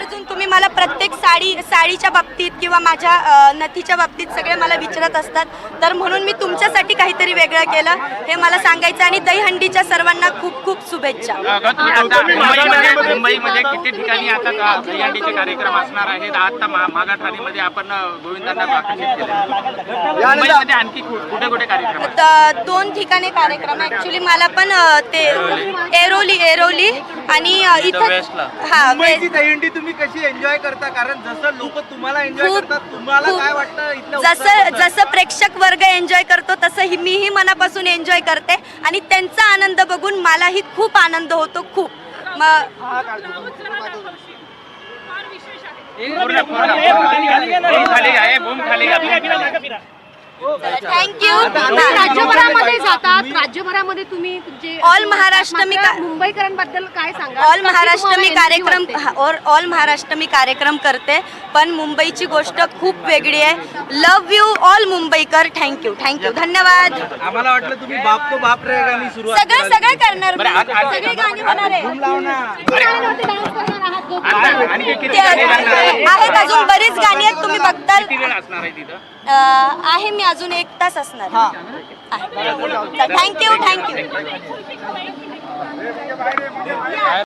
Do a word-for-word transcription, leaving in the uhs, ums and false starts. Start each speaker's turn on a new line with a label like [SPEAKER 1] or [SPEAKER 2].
[SPEAKER 1] आवर्जून तुम्ही मला प्रत्येक साडी साडीच्या बाबतीत किंवा माझ्या अ, नथीच्या बाबतीत सगळे मला विचारत असतात, तर म्हणून मी तुमच्यासाठी काहीतरी वेगळं केलं हे मला सांगायचं. आणि दहीहंडीच्या सर्वांना खूप खूप शुभेच्छा.
[SPEAKER 2] मुंबईमध्ये मुंबईमध्ये किती ठिकाणी आता दहीहंडीचे कार्यक्रम असणार आहेत. आता मागा ठाणेमध्ये आपण गोविंदांना आकर्षित केलं. मुंबईमध्ये आणखी कुठे कुठे कार्यक्रम आहेत?
[SPEAKER 1] त- दोन ठिकाणी कार्यक्रम ऍक्च्युली मला पण अ, ते एरोली एरोली आणि अ, इथं हा
[SPEAKER 3] मुंबईची दहीहंडी तुम्ही कशी एन्जॉय करता? कारण जसं लोक तुम्हाला एन्जॉय
[SPEAKER 1] खूप-
[SPEAKER 3] करतात, तुम्हाला
[SPEAKER 1] खूप-
[SPEAKER 3] काय वाटतं इथलं
[SPEAKER 1] जसं
[SPEAKER 3] उत्साह?
[SPEAKER 1] जसं प्रेक्षक वर्ग एन्जॉय करतो तसं ही मीही मनापासून एन्जॉय करते आणि त्यांचा आनंद बघून मलाही खूप आनंद होतो. खूप मग
[SPEAKER 2] पूर्ण पूर्ण बूम खाली आहे, बूम खाली आहे.
[SPEAKER 1] थँक्यू.
[SPEAKER 4] राज्यभरामध्ये जातात, राज्यभरामध्ये तुम्ही तुमचे
[SPEAKER 1] ऑल महाराष्ट्र मी का-
[SPEAKER 4] मुंबईकरांबद्दल काय सांगा?
[SPEAKER 1] ऑल महाराष्ट्र मी
[SPEAKER 4] तुम्हाला
[SPEAKER 1] कार्यक्रम
[SPEAKER 4] energy वाटते?
[SPEAKER 1] हा, और ऑल महाराष्ट्र मी कार्यक्रम करते, पण मुंबईची गोष्ट खूप वेगळी आहे. लव यू ऑल मुंबईकर. थँक्यू थँक्यू धन्यवाद.
[SPEAKER 3] आम्हाला वाटलं तुम्ही बाप तो बाप रे गाणी सुरुवात
[SPEAKER 1] सगळं सगळं करणार मी.
[SPEAKER 2] बरं, आज- आज-
[SPEAKER 1] सगळी गाणी होणार आहे.
[SPEAKER 4] तुम्ही गाण्यावरती dance करणार आहात जो-
[SPEAKER 2] आता आणखी किती
[SPEAKER 1] ते
[SPEAKER 2] गाणी लागणार आहेत?
[SPEAKER 1] आहेत अजून बरीच गाणी आहेत तुम्ही बघताल.
[SPEAKER 2] किती वेळ असणार आहे तिथं?
[SPEAKER 1] अ, आहे मी अजून एक तास असणार. Thank you thank you.